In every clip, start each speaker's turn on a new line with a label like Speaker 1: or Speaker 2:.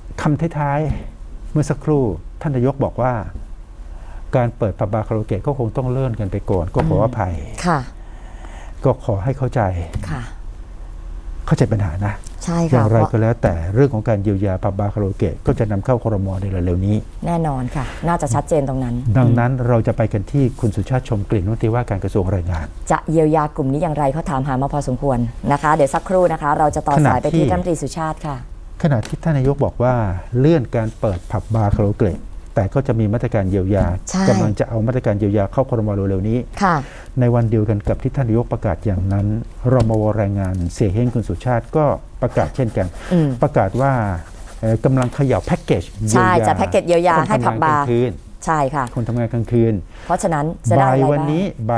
Speaker 1: คำท้ายๆเมื่อสักครู่ท่านนายกบอกว่าการเปิดผับบาร์คาราโอเกะก็คงต้องเลื่อนกันไปก่อนก็ขออภัย
Speaker 2: ค่ะ
Speaker 1: ก็ขอให้เข้าใจเข้าใจปัญหานะ
Speaker 2: ใช่ค่ะ
Speaker 1: อย่างไรก็แล้วแต่เรื่องของการเยียวยาผับบาร์คาราโอเกะก็จะนำเข้าครม.ในเร็วๆนี้
Speaker 2: แน่นอนค่ะน่าจะชัดเจนตรงนั้น
Speaker 1: ดังนั้นเราจะไปกันที่คุณสุชาติชมกลิ่นรัฐมนตรีว่าการกระทรวงแรงงาน
Speaker 2: จะเยียวยากลุ่มนี้อย่างไรเขาถามหามาพอสมควรนะคะเดี๋ยวสักครู่นะคะเราจะต่อสายไปที่รัฐมนตรีสุชาติค่ะ
Speaker 1: ขณะที่ท่านนายกบอกว่าเลื่อนการเปิดผับบาร์คาราโอเกะแต่ก็จะมีมาตรการเยียวยากำลังจะเอามาตรการเยียวยาเข้าครม.เร็วๆนี้ในวันเดียวกันกับที่ท่านนายกประกาศอย่างนั้นรมว.แรงงานเสียเฮ้งคุณสุชาติก็ประกาศเช่นกันประกาศว่ากำลังเขย่าแพ็กเกจเยียวยา
Speaker 2: จะแพ็กเกจเยียวยาให้ผับบาร์ใช่ค่ะ
Speaker 1: คนทำงานกลางคืน
Speaker 2: เพราะฉะนั้นจะได้อะไรบ้างบ่ายวัน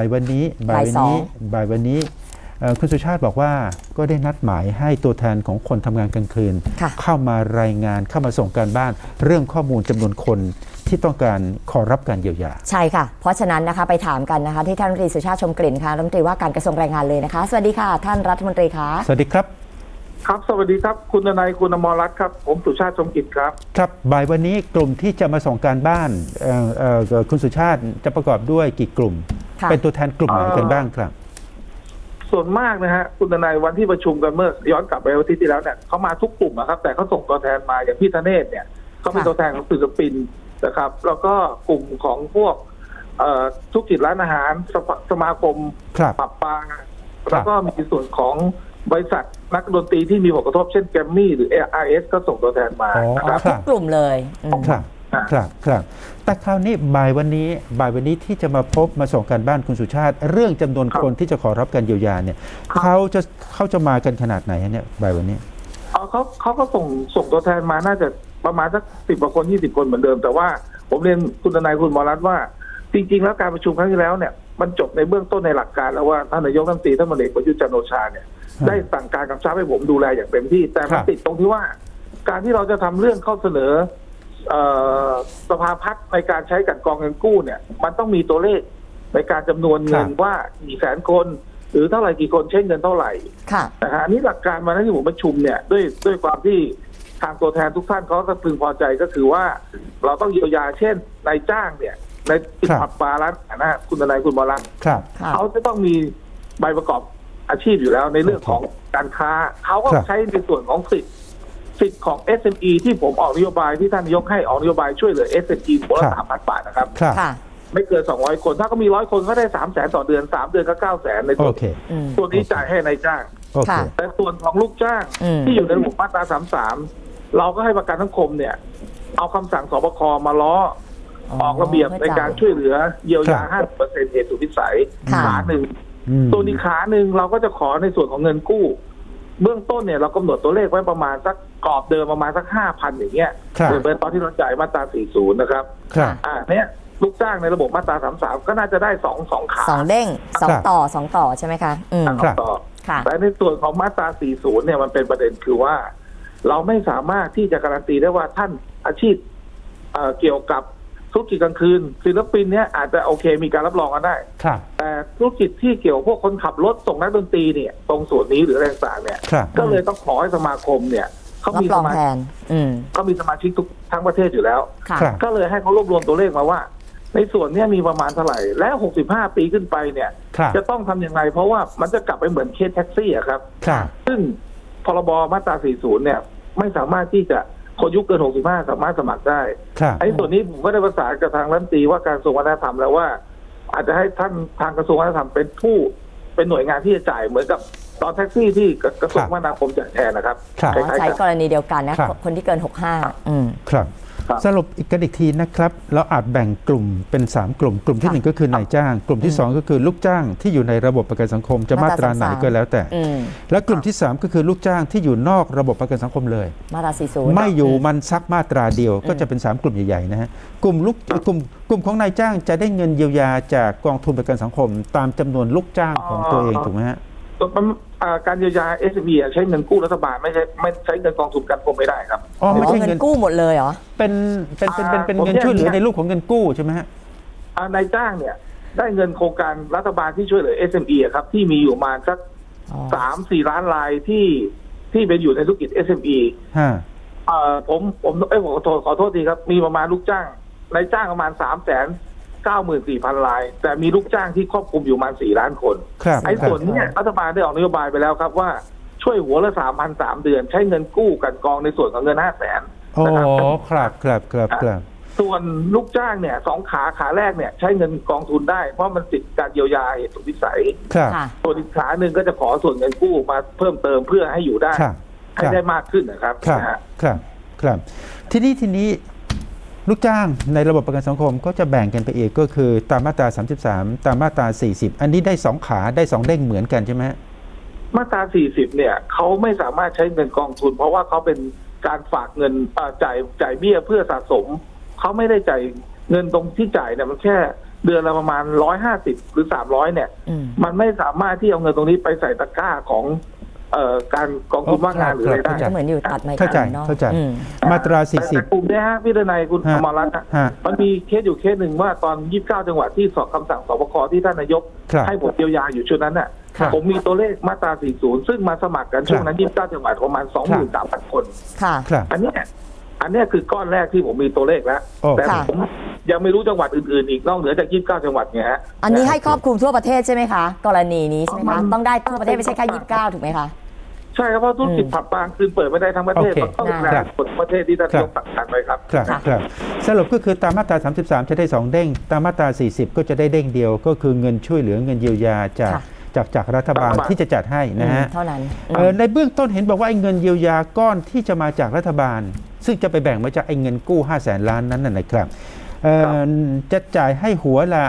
Speaker 1: นี้คุณสุชาติบอกว่าก็ได้นัดหมายให้ตัวแทนของคนทำงานกลางคืนเข้ามารายงานเข้ามาส่งการบ้านเรื่องข้อมูลจำนวนคนที่ต้องการขอรับการเยียวยา
Speaker 2: ใช่ค่ะเพราะฉะนั้นนะคะไปถามกันนะคะที่ท่านรัฐมนตรีสุชาติชมกลิ่นค่ะรัฐมนตรีว่าการกระทรวงแรงงานเลยนะคะสวัสดีค่ะท่านรัฐมนตรีคะ
Speaker 1: สวัสดีครับ
Speaker 3: ครับสวัสดีครับคุณนายคุณอมรรัตน์ครับผมสุชาติชมกลิ่นครับ
Speaker 1: ครับบ่ายวันนี้กลุ่มที่จะมาส่งการบ้านคุณสุชาติจะประกอบด้วยกี่กลุ่มเป็นตัวแทนกลุ่มไหนกันบ้างครับ
Speaker 3: ส่วนมากนะฮะคุณนายวันที่ประชุมกันเมื่อย้อนกลับไปวันที่แล้วเนี่ยเขามาทุกกลุ่มนะครับแต่เขาส่งตัวแทนมาอย่างพี่ธเนศเนี่ยเขาเป็นตัวแทนของศิลปินนะครับแล้วก็กลุ่มของพวกธุรกิจร้านอาหารสมาคมปรับปลาแล้วก็มีส่วนของบริษัทนักดนตรีที่มีผลกระทบเช่นแกรมมี่หรือ ARS ก็ส่งตัวแทนมา
Speaker 2: ครับทุกกลุ่มเลย
Speaker 1: ครับแต่คราวนี้บ่ายวันนี้ที่จะมาพบมาส่งการบ้านคุณสุชาติเรื่องจำนวนคนที่จะขอรับการเยียวยาเนี่ยเขาจะมากันขนาดไหนเนี่ยบ่ายวันนี้
Speaker 3: เขาก็ส่งตัวแทนมาน่าจะประมาณสัก10 กว่าคน20 คนเหมือนเดิมแต่ว่าผมเรียนคุณนายคุณหมอรัตน์ว่าจริงๆแล้วการประชุมครั้งที่แล้วเนี่ยมันจบในเบื้องต้นในหลักการแล้วว่าท่านนายกรัฐมนตรีท่านพลเอกประยุทธ์จันทร์โอชาเนี่ยได้สั่งการกำชับให้ผมดูแลอย่างเต็มที่แต่มันติดตรงที่ว่าการที่เราจะทำเรื่องเข้าเสนอสภาพัฒน์ในการใช้กันกองเงินกู้เนี่ยมันต้องมีตัวเลขในการจำนวนเงินว่ากี่แสนคนหรือเท่าไหร่กี่คนใช้เงินเท่าไหร่นะฮะอันนี้หลักการมาที่ผมประชุมเนี่ยด้วยความที่ทางตัวแทนทุกท่านเขาก็พึงพอใจก็คือว่าเราต้องเยียวยาเช่นนายจ้างเนี่ยในผับบาร์ร้านอาหารนะคุณนายคุณบอลลังเขาจะต้องมีใบประกอบอาชีพอยู่แล้วในเรื่องของการค้าเขาก็ใช้ในส่วนของสิทธิ์ของ SME ที่ผมออกนโยบายที่ท่านนายกให้ออกนโยบายช่วยเหลือ SME คนละ 3,000 บาทนะครับไม่เกิน200 คนถ้าก็มี100 คนก็ได้ 300,000 ต่อเดือน3 เดือนก็ 900,000 ในตัวนี้จ่ายให้นายจ้างแต่ส่วนของลูกจ้างที่อยู่ในระบบมาตรา33เราก็ให้ประกันสังคมเนี่ยเอาคำสั่งสบคมาล้อออกระเบียบในการช่วยเหลือเยียวยา 50% เหตุสุดวิสัยขาหนึ่งตัวนี้ขาหนึ่งเราก็จะขอในส่วนของเงินกู้เบื้องต้นเนี่ยเรากำหนดตัวเลขไว้ประมาณสักกรอบเดิมประมาณสัก 5,000 อย่างเงี้ยเหมือนตอนที่เราจ่ายมาตรา40นะครับเนี่ยลูกจ้างในระบบมาตรา33ก็น่าจะได้2ขา
Speaker 2: 2เด้ง2ต่อใช่ไหมคะ
Speaker 3: 2 ต่อแต่ในส่วนของมาตรา40เนี่ยมันเป็นประเด็นคือว่าเราไม่สามารถที่จะการันตีได้ว่าท่านอาชีพเกี่ยวกับธุรกิจกลางคืนศิลปินเนี่ยอาจจะโอเคมีการรับรองกันได้แต่ธุรกิจที่เกี่ยวพวกคนขับรถส่งนักดนตรีเนี่ยตรงส่วนนี้หรือแรงต่างเนี่ยก็เลยต้องขอให้สมาคมเนี่ยเขามีสมาชิกเขามีสมาชิกทุกทั้งประเทศอยู่แล้วก็เลยให้เขารวบรวมตัวเลขมาว่าในส่วนนี้มีประมาณเท่าไหร่และ65 ปีขึ้นไปเนี่ยจะต้องทำยังไงเพราะว่ามันจะกลับไปเหมือนเคสแท็กซี่อะครับซึ่งพรบมาตรา40เนี่ยไม่สามารถที่จะคนอายุเกิน65สามารถสมัครได้ไอ้ส่วนนี้ผมก็ได้ประสานกับทางรัฐมนตรีว่าการกระทรวงวัฒนธรรมแล้วว่าอาจจะให้ท่านทางกระทรวงวัฒนธรรมเป็นหน่วยงานที่จะจ่ายเหมือนกับตอนแท็กซี่ที่กระทรวงคมนาคมจ่ายแทนนะครับ
Speaker 2: ใช้กรณีเดียวกันนะคนที่เกิน65
Speaker 1: ครับสรุปอีกทีนะครับเราอาจแบ่งกลุ่มเป็น3กลุ่มกลุ่มที่1ก็คือนายจ้างกลุ่มที่2ก็คือลูกจ้างที่อยู่ในระบบประกันสังคมจะมาตราไหนก็แล้วแต่และกลุ่มที่3ก็คือลูกจ้างที่อยู่นอกระบบประกันสังคมเลย
Speaker 2: มาตรา40
Speaker 1: ไม่อยู่มันซักมาตราเดียวก็จะเป็น3กลุ่มใหญ่ๆนะฮะกลุ่มของนายจ้างจะได้เงินเยียวยาจากกองทุนประกันสังคมตามจำนวนลูกจ้างของตัวเองถูกไหมฮะ
Speaker 3: การเยียวยา SME ใช้เงินกู้รัฐบาลไม่ใช้เงินกองทุนประกันสังคมไม่ได้ครับ
Speaker 1: ไม่ใช่
Speaker 2: เงินกู้หมดเลยเหรอ
Speaker 1: เป็นเงินช่วยเหลือในรูปของเงินกู้ใช่ไหมฮะ
Speaker 3: นายจ้างเนี่ยได้เงินโครงการรัฐบาลที่ช่วยเหลือ SME ครับที่มีอยู่มาสัก3-4 ล้านรายที่เป็นอยู่ในธุรกิจ SME ผมขอโทษทีครับมีประมาณลูกจ้างนายจ้างประมาณ394,000 ราย แต่มีลูกจ้างที่ครอบคลุมอยู่ประมาณ4 ล้านคน
Speaker 1: ครับ
Speaker 3: ไอ้ส่วนนี้รัฐบาลได้ออกนโยบายไปแล้วครับว่าช่วยหัวละ 3,000 3 เดือนใช้เงินกู้กันกองในส่วนของเงิน 500,000
Speaker 1: โอ้
Speaker 3: นะครับ
Speaker 1: ครับ
Speaker 3: ส่วนลูกจ้างเนี่ย2 ขาแรกเนี่ยใช้เงินกองทุนได้เพราะมันติดการเยียวยาเหตุสุดวิสัย
Speaker 1: ครับ
Speaker 2: ค่ะ
Speaker 3: ส่วนอีกขาหนึ่งก็จะขอส่วนเงินกู้มาเพิ่มเติมเพื่อให้อยู่ได้
Speaker 1: ครับ
Speaker 3: ให้ได้มากขึ้นนะครับ
Speaker 1: ครับ
Speaker 3: นะฮะ
Speaker 1: ครับทีนี้ลูกจ้างในระบบประกันสังคมก็จะแบ่งกันไปอีกก็คือตามมาตรา 33 ตามมาตรา 40 อันนี้ได้2 ขาได้2 เด้งเหมือนกันใช่ไหม
Speaker 3: มาตรา 40 เนี่ยเขาไม่สามารถใช้เงินกองทุน เพราะว่าเขาเป็นการฝากเงินจ่ายเบี้ยเพื่อสะสมเขาไม่ได้จ่ายเงินตรงที่จ่ายเนี่ยมันแค่เดือนละประมาณ150หรือ300เนี่ย มันไม่สามารถที่เอาเงินตรงนี้ไปใส่ตะกร้าของการกองทุนว่างงานหรืออะไรได้
Speaker 2: ก็เหมือนอยู่ตัดไม้
Speaker 1: เข้าใจ
Speaker 2: นอก
Speaker 1: เข้าใจ
Speaker 2: อืม
Speaker 1: มาตรา
Speaker 3: แต่กลุ่มเนี้ยฮะพี่ดนัยคุณอมรรัตน์
Speaker 1: ฮะ
Speaker 3: มันมีเคสอยู่เคสหนึ่งว่าตอน29 จังหวัดที่สอบคำสั่งสบคที่ท่านนายก
Speaker 1: ครับ
Speaker 3: ให้ผมเยียวยาอยู่ชุดนั้นน่ะ
Speaker 1: ครับ
Speaker 3: ผมมีตัวเลขมาตรา 40 ซึ่งมาสมัครกันช่วงนั้น 29 จังหวัดประมาณ 23,000 คน
Speaker 2: ค่ะ
Speaker 1: ครับ
Speaker 3: อันเนี้ยคือก้อนแรกที่ผมมีตัวเลขแล้ว
Speaker 1: โอ้
Speaker 3: แต่
Speaker 2: ค่ะ
Speaker 3: ผมยังไม่รู้จังหวัดอื่นๆอีกนอกเหนือจาก29 จังหวัดไงฮะ
Speaker 2: อันนี้ให้ครอบคลุมทั่วประเทศใช่ไหมคะ กรณีนี้ใช่ไหม
Speaker 3: มั
Speaker 2: คะ
Speaker 3: น
Speaker 2: ต้องได้ทั่วประเทศไม่ใช่แค่29ถูกไหมคะ
Speaker 3: ใช่ครับเพราะธุรกิจผับบาร์คืนเปิดไม่ได้ทั้งประเทศ
Speaker 1: โอเค
Speaker 3: มันต้อง
Speaker 2: ครั
Speaker 3: แบ่
Speaker 2: บ
Speaker 3: งกฎประเทศที่ท่านนายกสั่งการไปครับ
Speaker 1: ครับ
Speaker 2: ค่ะ
Speaker 1: ครับสรุปก็คือตามมาตรา 33 จะได้ 2 เด้งตามมาตรา 40 ก็จะได้เด้งเดียวก็คือเงินช่วยเหลือเงินเยียวยาจาก
Speaker 2: ค่ะ
Speaker 1: จากรัฐบาล
Speaker 3: รัฐบาล
Speaker 1: ที่จะจัดให้นะฮะ
Speaker 2: เท่านั้น
Speaker 1: ในเบื้องต้นเห็นบอกว่าไอ้เงินเยียวยาก้อนที่จะมาจากรัฐบาล ซึ่งจะไปแบ่งมาจากไอ้เงินกู้500,000 ล้านนั้นนะครับจะจ่ายให้หัวละ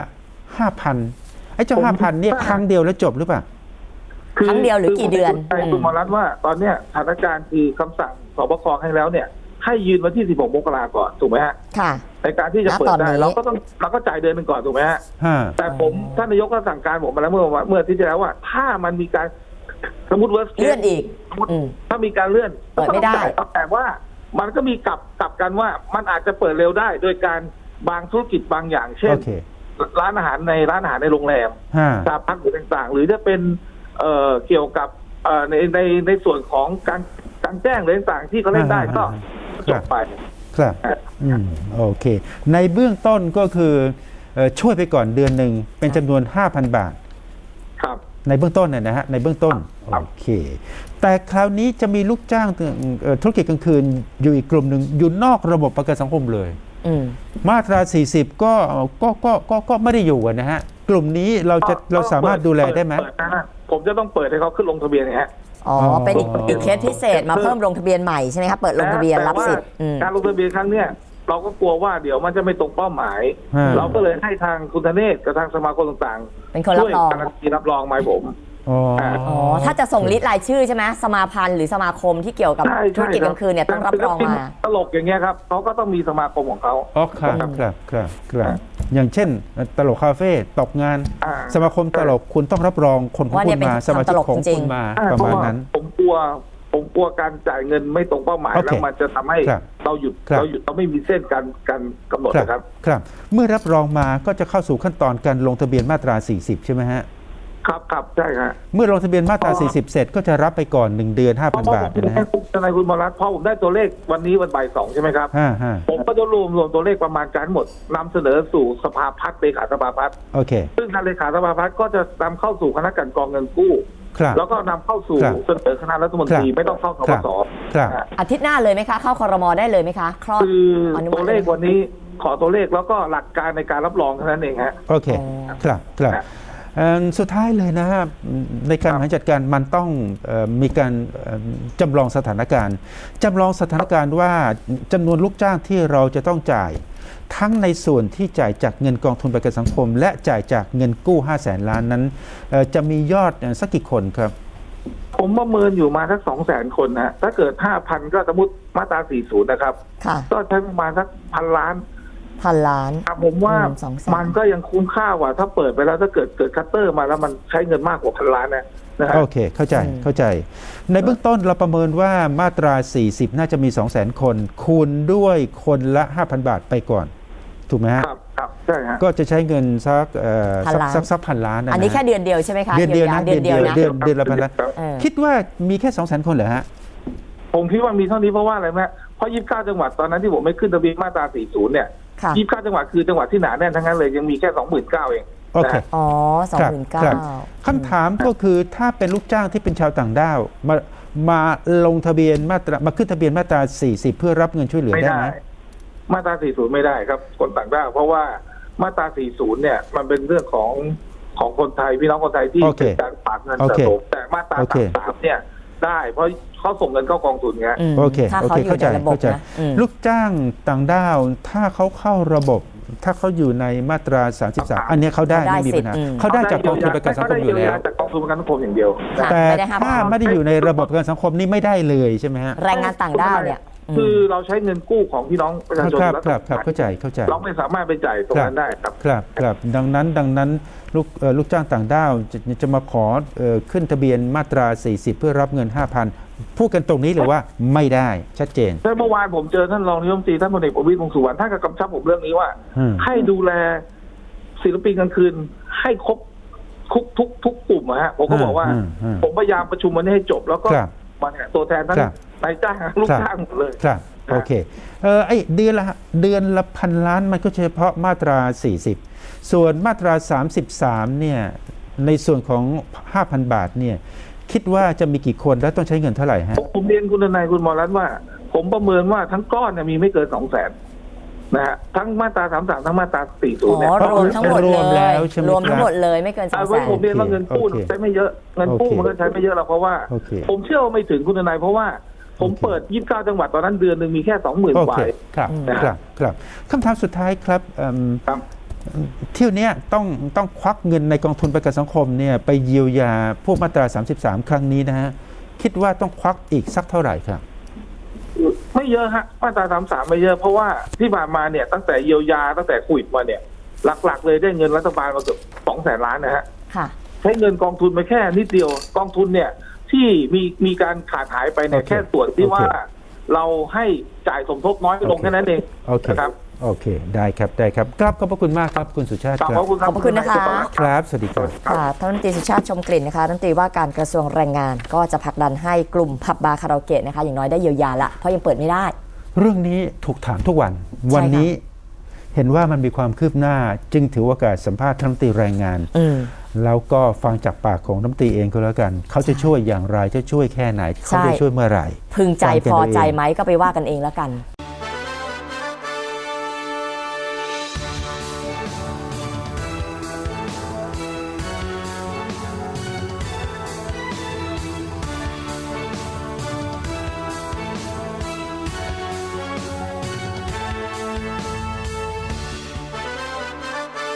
Speaker 1: 5,000 ไอ้เจ้า 5,000 เนี่ยครั้งเดียวแล้วจบหรือเปล่า
Speaker 2: ครั้งเดียวหรือกี่เดือน
Speaker 3: ใช่คุณหมอรัตน์ว่าตอนเนี้ยสถานการณ์คือคำสั่งสบคให้แล้วเนี่ยให้ยืนวันที่ 16 มกราก่อนถูกไหมฮะ
Speaker 2: ค่ะ
Speaker 3: ในการที่จะเปิด
Speaker 2: ณตอน
Speaker 3: ได้
Speaker 2: นี้
Speaker 3: เราก็จ่ายเดือนหนึ่งก่อนถูกไหมฮะ
Speaker 1: ฮะ
Speaker 3: แต่ผมท่านนายกก็สั่งการผมมาแล้วเมื่อที่จะแล้วว่า ถ้ามันมีการสมมติว่า
Speaker 2: เลื่อนอีก
Speaker 3: ถ้ามีการเลื่อน
Speaker 2: เปิดไม่ได้
Speaker 3: ก็แต่ว่ามันก็มีกลับกันว่ามันอาจจะเปิดเร็วได้ โดยการบางธุรกิจบางอย่าง เช่น
Speaker 1: โอเค
Speaker 3: ร้านอาหารในโรงแรม
Speaker 1: ฮะ
Speaker 3: สถานพักหรือต่างๆ หรือจะเป็นเกี่ยวกับในส่วนของการแจ้งหรือต่างๆที่เขาเล่นได้ก็จบไป
Speaker 1: ครับโอเค ในเบื้องต้นก็คือช่วยไปก่อนเดือนหนึ่งเป็นจำนวน 5,000 บาท
Speaker 3: ครับ
Speaker 1: ในเบื้องต้นนะฮะในเบื้องต้น
Speaker 3: ครับ
Speaker 1: โอเค แต่คราวนี้จะมีลูกจ้างธุรกิจกลางคืนอยู่อีกกลุ่มหนึ่งอยู่นอกระบบประกันสังคมเลย มาตรา 40 ก็ไม่ได้อยู่อะนะฮะกลุ่มนี้เราสามารถดูแลได้ไหม
Speaker 3: เปินะผมจะต้องเปิดให้เขาขึ้นลงทะเบียนนะฮะ
Speaker 2: อ๋อ เป็นอีกเคสพิเศษมาเพิ่มลงทะเบียนใหม่ใช่ไหมคะ เปิดลงทะเบียนรับสิทธิ์
Speaker 3: แต่ว่าการลงทะเบียนครั้งเนี้ยเราก็กลัวว่าเดี๋ยวมันจะไม่ตรงเป้าหมาย เราก็เลยให้ทางคุณธเนศกับทางสมาคมต่างๆ
Speaker 2: เป็นคนรับรอง
Speaker 3: ช่วยการันตีรับรองมาให้ผม
Speaker 1: อ๋อ
Speaker 2: อ๋อ ถ้าจะส่งลิสต์รายชื่อใช่ไหมสมาพันธ์หรือสมาคมที่เกี่ยวกับ
Speaker 3: ใช่
Speaker 2: ธุรกิจกลางคืนเนี่ยต้องรับรองมา
Speaker 3: ตลกอย่างเงี้ยครับเขาก็ต้องมีสมาคมของเขา
Speaker 1: อ๋อครับอย่างเช่นตลกคาเฟ่ตกงาน สมาคมตลกคุณต้องรับรองคนของ
Speaker 2: ว่าเนี่
Speaker 1: คุ
Speaker 2: ย
Speaker 1: ณ
Speaker 2: เป็น
Speaker 1: มาสมาชิกของ
Speaker 2: ทำตลกจริ
Speaker 1: คุ
Speaker 2: ง
Speaker 1: ณ
Speaker 2: ๆ
Speaker 1: มา
Speaker 3: เพ
Speaker 1: ประ
Speaker 3: ราะ
Speaker 1: มาณ
Speaker 3: ว่า
Speaker 1: นั้น
Speaker 3: ผมกลัวการจ่ายเงินไม่ตรงเป้าหมาย
Speaker 1: โอเค
Speaker 3: แล้วมันจะทำให้
Speaker 1: ครับ
Speaker 3: เราหยุดเราไม่มีเส้นการกำหนดนะครับ
Speaker 1: ครับ เมื่อรับรองมาก็จะเข้าสู่ขั้นตอนการลงทะเบียนมาตรา 40 ใช่ไหมฮะ
Speaker 3: ครับใช่ครับ
Speaker 1: เมื่อลงทะเบียนมาตรา 40 เสร็จก็จะรับไปก่อน 1 เดือน 5,000 บาทนะฮะ
Speaker 3: ทนายคุณหมอรัตน์พอผมได้ตัวเลขวันนี้วันบ่าย 2ใช่ไหมครับ
Speaker 1: ฮะ
Speaker 3: ผมก็จะรวมตัวเลขประมาณการหมดนำเสนอสู่สภาพัฒน์เลขาสภาพัฒน์
Speaker 1: โอเค
Speaker 3: ซึ่งทางเลขาสภาพัฒน์ก็จะนำเข้าสู่คณะกรรมการเงินกู้
Speaker 1: ครับ
Speaker 3: แล้วก็นำเข้าสู่
Speaker 1: ครับ
Speaker 3: เสนอคณะรัฐมนตรี
Speaker 1: ครับ
Speaker 3: ไม่ต้องเข้าส
Speaker 1: ครั
Speaker 3: ป
Speaker 1: บ
Speaker 3: ส
Speaker 1: ครับ
Speaker 3: นะฮะ
Speaker 2: อาทิตย์หน้าเลยไหมคะ เข้าครมได้เลยไหมคะ คลอด
Speaker 3: คือ
Speaker 2: อนุมัติ
Speaker 3: ตัวเลขวันนี้ขอตัวเลขแล้วก็หลักการในการรับรองเท่านั้นเองฮะ
Speaker 1: โอเค ครับสุดท้ายเลยนะฮะในการบริหารจัดการมันต้องมีการจำลองสถานการณ์ว่าจำนวนลูกจ้างที่เราจะต้องจ่าย ทั้งในส่วนที่จ่ายจากเงินกองทุนประกันสังคม และจ่ายจากเงินกู้500,000 ล้านนั้นจะมียอดสักกี่คนครับ
Speaker 3: ผมประเมินอยู่มาสัก 200,000 คนนะถ้าเกิด 5,000 ก็สมมติมาตรา 40 นะครับ
Speaker 2: ค่ะ
Speaker 3: ก็ใช้ประมาณสัก1,000 ล้าน
Speaker 2: 1,000 ล้าน
Speaker 3: ผมว่า
Speaker 2: 200,000
Speaker 3: มันก็ยังคุ้มค่ากว่าถ้าเปิดไปแล้วถ้าเกิดคัตเตอร์มาแล้วมันใช้เงินมากกว่า1,000 ล้านนะฮะ
Speaker 1: โอเค เข้าใจ ในเบื้องต้นเราประเมินว่ามาตรา 40 น่าจะมี 200,000 คน คูณด้วยคนละ 5,000 บาทไปก่อน ถูกไหมฮะ
Speaker 3: ครับใช่ฮะ
Speaker 1: ก็จะใช้เงินสัก
Speaker 2: 1,000 ล้าน
Speaker 1: สัก1,000 ล้านนะ
Speaker 2: อันนี้แค่เดือนเดียวใช่ไหมคะ
Speaker 1: เดือนเดียวนะ
Speaker 2: เดือนเดียวนะ
Speaker 1: เดือนละ1,000 ล้าน
Speaker 2: เออ
Speaker 1: คิดว่ามีแค่ 200,000 คนเหรอฮะ
Speaker 3: ผมคิดว่ามีเท่านี้เพราะว่าอะไรไหมเพราะ29จังหวัดตอนนั้นที่ผมไม่ขึ้นทะเบียนมาตรา40เนี่ย
Speaker 2: ค่ะ
Speaker 3: 29จังหวัดคือจังหวัดที่หนาแน่นทั้งนั้นเลยยังมีแค่ 29,000 เอง
Speaker 1: โอเค
Speaker 3: นะฮะ
Speaker 2: อ๋อ
Speaker 1: ครับครับ
Speaker 2: 29,000
Speaker 1: คำถามก็คือถ้าเป็นลูกจ้างที่เป็นชาวต่างด้าวมาลงทะเบียนมาขึ้นทะเบียนมาตรา 40 เพื่อรับเงินช่วยเหลือ
Speaker 3: ไม่
Speaker 1: ได้
Speaker 3: ได้
Speaker 1: ไหม
Speaker 3: มาตรา 40 ไม่ได้ครับคนต่างด้าวเพราะว่ามาตรา 40 เนี่ยมันเป็นเรื่องของคนไทยพี่น้องคนไทยที่
Speaker 1: โอเค
Speaker 3: เป็นการฝากเงิน
Speaker 1: โอ
Speaker 3: สะ
Speaker 1: เค
Speaker 3: สมแต่มาตรา
Speaker 1: โอเค
Speaker 3: 33เนี่ยได้เพราะเขาส่งเงินเข้ากองทุนไง
Speaker 1: โอเค
Speaker 2: ถ้า
Speaker 1: โอ
Speaker 2: เขา
Speaker 1: เค
Speaker 2: อยู่
Speaker 1: เข้าใจ
Speaker 2: ในระบบ
Speaker 1: เข้าใจ
Speaker 2: นะ
Speaker 1: ลูกจ้างต่างด้าวถ้าเขาเข้าระบบ ถ้าเขาอยู่ในมาตรา 33 อันเนี้ยเขาได้ไม่มีปัญหาเขาได้จากกองทุนประกันสังคมอยู่แล้ว
Speaker 3: จากกองทุนประกันสังคมอย่างเดียว
Speaker 2: ค่ะ
Speaker 1: แต่
Speaker 2: ไม่ได้ห้าม
Speaker 1: ถ้าไม่ได้อยู่ในระบบประกันสังคมนี่ไม่ได้เลยใช่ไหมฮะ
Speaker 2: แรงงานต่างด้าวเนี่ย
Speaker 3: คือเราใช้เงินกู้ของพี่น้องประชาชน
Speaker 1: ครับ
Speaker 3: แล้ว
Speaker 1: ครับครับเข้าใจเข้าใจ
Speaker 3: เราไม่สามารถไปจ่ายตรงนั้นได้ครับ
Speaker 1: ครับครับดังนั้นลูกจ้างต่างด้าวจะมาขอขึ้นทะเบียนมาตรา 40 เพื่อรับเงิน 5,000 พูดกันตรงนี้เลยว่าไม่ได้ชัดเจน
Speaker 3: แต่เมื่อวานผมเจอท่านรองนายกรัฐมนตรีท่านพลเอกประวิตรวงษ์สุวรรณท่านก็กำชับผมเรื่องนี้ว่า ให้ดูแลศิลปินกลางคืนให้ครบทุกกลุ่มอะฮะผมก็บอกว่า ผมพยายามประชุมวันนี้ให้จบ แล้วก็
Speaker 1: ครับ
Speaker 3: มาเนี่ยตัวแทนทั้ง
Speaker 1: ครับ
Speaker 3: นายจ้างลูกจ้างหมดเลย
Speaker 1: ครับโอเคไอ้เดือนละพันล้านมันก็เฉพาะมาตรา 40 ส่วนมาตรา 33 เนี่ยในส่วนของ 5,000 บาทเนี่ยคิดว่าจะมีกี่คนและต้องใช้เงินเท่าไหร่ฮะ
Speaker 3: ผมเรียนคุณทนายคุณหมอรัตน์ว่า ผมประเมินว่าทั้งก้อนเนี่ยมีไม่เกิน 200,000นะฮะทั้งมาตรา33ทั้งมาตรา40เนี่ย
Speaker 2: รวมทั้งหมด
Speaker 1: ร
Speaker 2: เล
Speaker 1: วมแล้
Speaker 2: ยว
Speaker 1: ใช่ไหม
Speaker 2: รวมทั้
Speaker 1: ค
Speaker 2: ง
Speaker 1: รับ
Speaker 2: หมดเลยไม่เกิน
Speaker 3: ไว้ผมเรียนว่าเงินกู้
Speaker 1: โอเค
Speaker 3: ใช้ไม่เยอะเงินกู้
Speaker 1: โอเค
Speaker 3: มันก็ใช้ไม่เยอะหรอกเพราะว่า
Speaker 1: โอเค
Speaker 3: ผมเชื่อว่าไม่ถึงคุณทนายเพราะว่าผม
Speaker 1: โอเค
Speaker 3: เปิด29จังหวัดตอนนั้นเดือนหนึ่งมีแค่ 20,000
Speaker 1: โอก
Speaker 3: ว่า
Speaker 1: เคครับครับคำถามสุดท้ายครับ
Speaker 3: ครับ
Speaker 1: เที่ยวเนี้ยต้องควักเงินในกองทุนประกันสังคมเนี่ยไปเยียวยาพวกมาตรา 33 ครั้งนี้นะฮะคิดว่าต้องควักอีกสักเท่าไหร่ครับ
Speaker 3: ไม่เยอะฮะมาตรา33ไม่เยอะเพราะว่าที่ผ่านมาเนี่ยตั้งแต่เยียวยาตั้งแต่โควิดมาเนี่ยหลักๆเลยได้เงินรัฐบาลมาเกือบ200,000 ล้านนะฮะ
Speaker 2: ค่ะ
Speaker 3: ใช้เงินกองทุนไปแค่นิดเดียวกองทุนเนี่ยที่มีการขาดหายไปเนี่ย
Speaker 1: โอเค
Speaker 3: แค่ส่วนที่
Speaker 1: โอเค
Speaker 3: ว่าเราให้จ่ายสมทบน้อยลงแค่นั้นเอง
Speaker 1: โอเค
Speaker 3: นะครับ
Speaker 1: โอเคได้ครับครับขอบพระคุณมากครับคุณสุชาติ
Speaker 3: ขอบ
Speaker 1: ค
Speaker 3: พ
Speaker 1: รับ
Speaker 3: ระคุณครับ
Speaker 2: ขอบพระคุณนะคะ
Speaker 1: ครับสวัสดีครับ
Speaker 2: ค่ะท่านรัฐมนตรีสุชาติชมกลิ่นนะคะรัฐมนตรีว่าการกระทรวงแรงงาน ก็จะผลักดันให้กลุ่มผับบาร์คาราโอเกะนะคะอย่างน้อยได้เยียวยาละเพราะยังเปิดไม่ได้
Speaker 1: เรื่องนี้ถูกถามทุกวัน วันนี้เห็นว่ามันมีความคืบหน้า จึงถือโอกาสสัมภาษณ์ท่านรัฐมนตรีแรงงาน แล้วก็ฟังจากปากของรัฐมนตรีเองก็แล้วกัน เขาจะช่วยอย่างไรจะช่วยแค่ไหนเขาจะช่วยเมื่อไหร่
Speaker 2: พึงใจ
Speaker 1: ฟังกัน
Speaker 2: พอ
Speaker 1: เอาเอง
Speaker 2: ใจไหมก็ไปว่ากันเองแล้วกัน